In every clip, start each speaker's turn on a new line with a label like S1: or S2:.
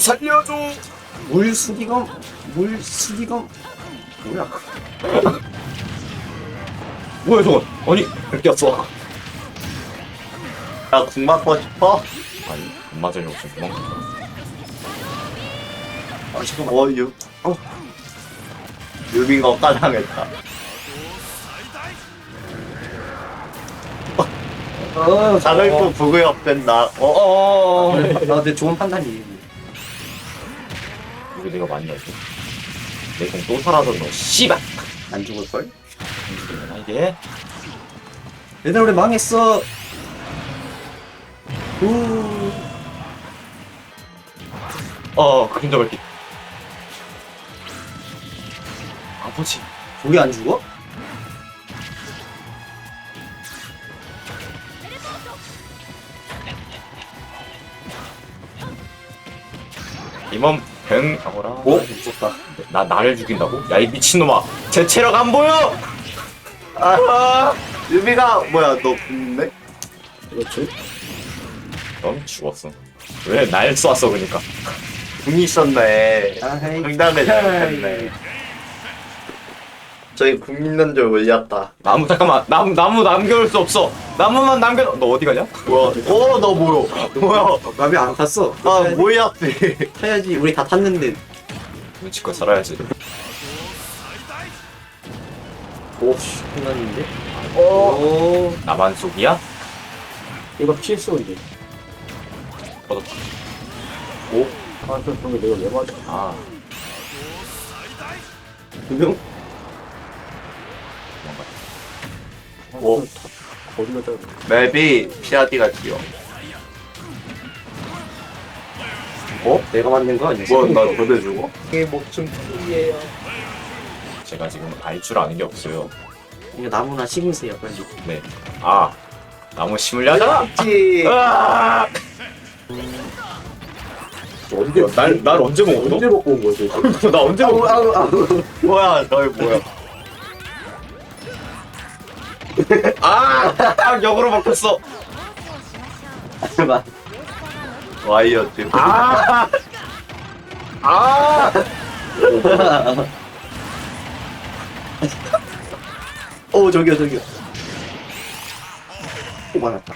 S1: 살려줘.
S2: 물수기검 뭐야?
S1: 뭐야 저건? 아니 뺏겼어.
S3: 나궁 맞고 싶어?
S1: 아니 안 맞으려고 지금 도망쳤어.
S2: 아 잠깐만.
S3: 유빈가 까당했다. 자글프 부구역 된다.
S2: 내 좋은 판단이.
S1: 이거 내가 맞냐 이거? 내 공 또 사라졌노. 씨발.
S2: 안 죽을 걸?
S1: 움직이려나 이게?
S2: 얘들아 우리 망했어. 우.
S1: 그림자 밝기. 아버지.
S2: 우리 안 죽어?
S1: 이몸 뱅 하거라.
S2: 오 무섭다.
S1: 나를 죽인다고? 야 이 미친놈아. 제 체력 안 보여.
S3: 유빈아 뭐야 너 궁인데?
S2: 그렇지.
S1: 넌 죽었어. 왜 날 쐈어 그러니까.
S3: 궁이 있었네.
S2: 아이.
S3: 상담에 잘했네. 저희 궁 있는 줄 몰랐다.
S1: 나무 잠깐만. 나무 남겨올 수 없어. 나무만 남겨. 너 어디 가냐?
S3: 뭐야? 너 뭐야? 뭐야?
S2: 나비 안 탔어.
S3: 뭐야?
S2: 타야지. 우리 다 탔는데.
S1: 눈치껏 살아야지.
S2: 오, 끝났는데? 오.
S1: 나만 속이야?
S4: 이거 PS 이제.
S1: 터졌다.
S4: 오? 아, 그러면 내가 왜 맞아?
S1: 아
S2: 두 명?
S1: 도망가.
S3: 오.
S4: 어디 갔다
S3: 맵이 피아디가 지어.
S2: 내가 만든 거 아니야?
S3: 뭐나 보내주고?
S4: 이게 목숨 풀이에요.
S1: 제가 지금 알 줄 아는 게 없어요.
S2: 이거 나무나 심으세요, 빨리.
S1: 네. 나무 심으려 하잖아.
S3: 있지.
S1: 아!
S4: 언제
S1: 날 언제 먹어?
S4: 언제 먹고 온 거지?
S1: 나 언제 먹어?
S3: 뭐야? 너희 뭐야?
S1: 역으로 먹혔어.
S2: 맞.
S3: 와이어지.
S2: 오, 저기요. 오, 많았다.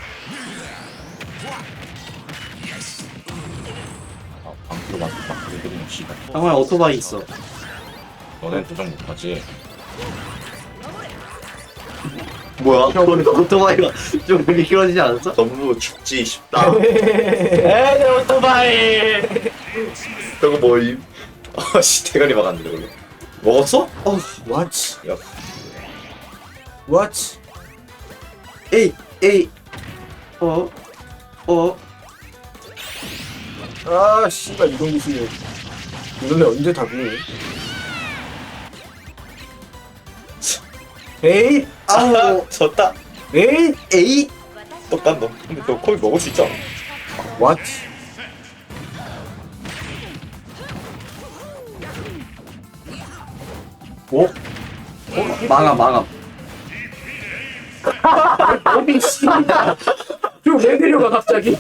S1: 방구로 막 그리는 씨발.
S2: 상호야, 오토바이 있어.
S1: 너넨 도전 못하지.
S3: 뭐야?
S2: 오토바이가 좀 미끄러지지 않았어?
S3: 너무 죽지 싶다.
S1: 내 오토바이.
S3: 저거 뭐임?
S1: 씨 대가리 막았는데 그걸로. 먹었어?
S4: What?
S1: 야.
S4: What?
S2: 에이.
S4: 아, 씨발 이동 기술이. 이놈네 언제 다 구해? 에이?
S2: 아우.
S1: 졌다.
S2: 에이.
S1: 똑같 너. 근데 너 거의 먹을 수 있잖아.
S4: What?
S2: 망함.
S4: 어미 씨발. 저왜 내려가 갑자기?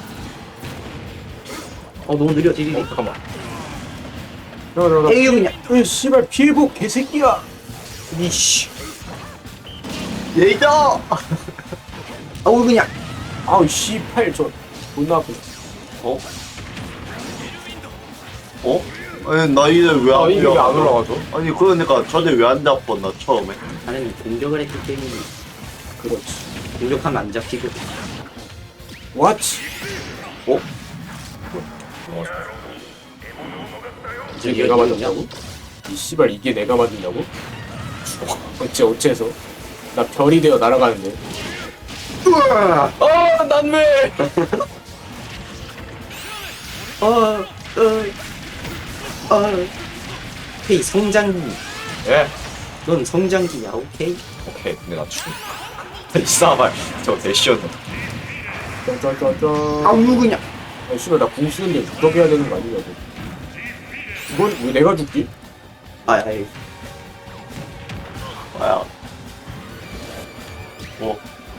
S2: 너무 느려, 딜이.
S1: 잠깐만.
S4: 들어가.
S2: 에이, 그냥.
S4: 이 씨발 피해복 개새끼야.
S1: 이씨.
S3: 예이다.
S2: 아우, 그냥.
S4: 아우 씨발 저 존나 아프네.
S3: 아니 나 이제 왜안
S4: 이게 왜 안 올라가죠?
S3: 아니 그러니까 전에 왜 안 잡았나 처음에?
S2: 나는 공격을 했기 때문에
S4: 그렇지.
S2: 공격하면 안 잡히고.
S4: What? 이게 내가 맞았다고? 이 씨발 이게 내가 맞은다고? 어째서? 나 별이 되어 날아가는데.
S1: 난 왜?
S2: 헤이, 성장기.
S1: 예.
S2: 넌 성장기야, 오케이?
S1: 오케이. 근데 나 죽음. 이 싸발. 저 대시였네.
S4: 짠짠짠짠.
S2: 아우, 그냥.
S4: 아 씨발 나 궁 쓰는데 그렇게 해야 되는 거 아니냐고. 이건 왜 내가 죽지?
S2: 아이.
S3: 뭐야?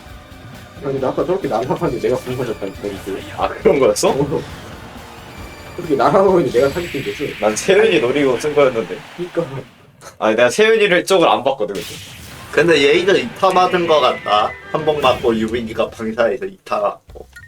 S4: 아니 나 아까 저렇게 난합한데 내가 궁 맞았다니까 이거.
S1: 그런 거였어?
S4: 어떻게 나가고 있는데 내가 사기친 거지?
S1: 난 세윤이 노리고 쓴 거였는데.
S4: 그니까.
S1: 아니 내가 세윤이를 쪽을 안 봤거든 그때.
S3: 근데 얘이가 이타 맞은 거 같다. 한 번 맞고 유빈이가 방사에서 이타 맞고.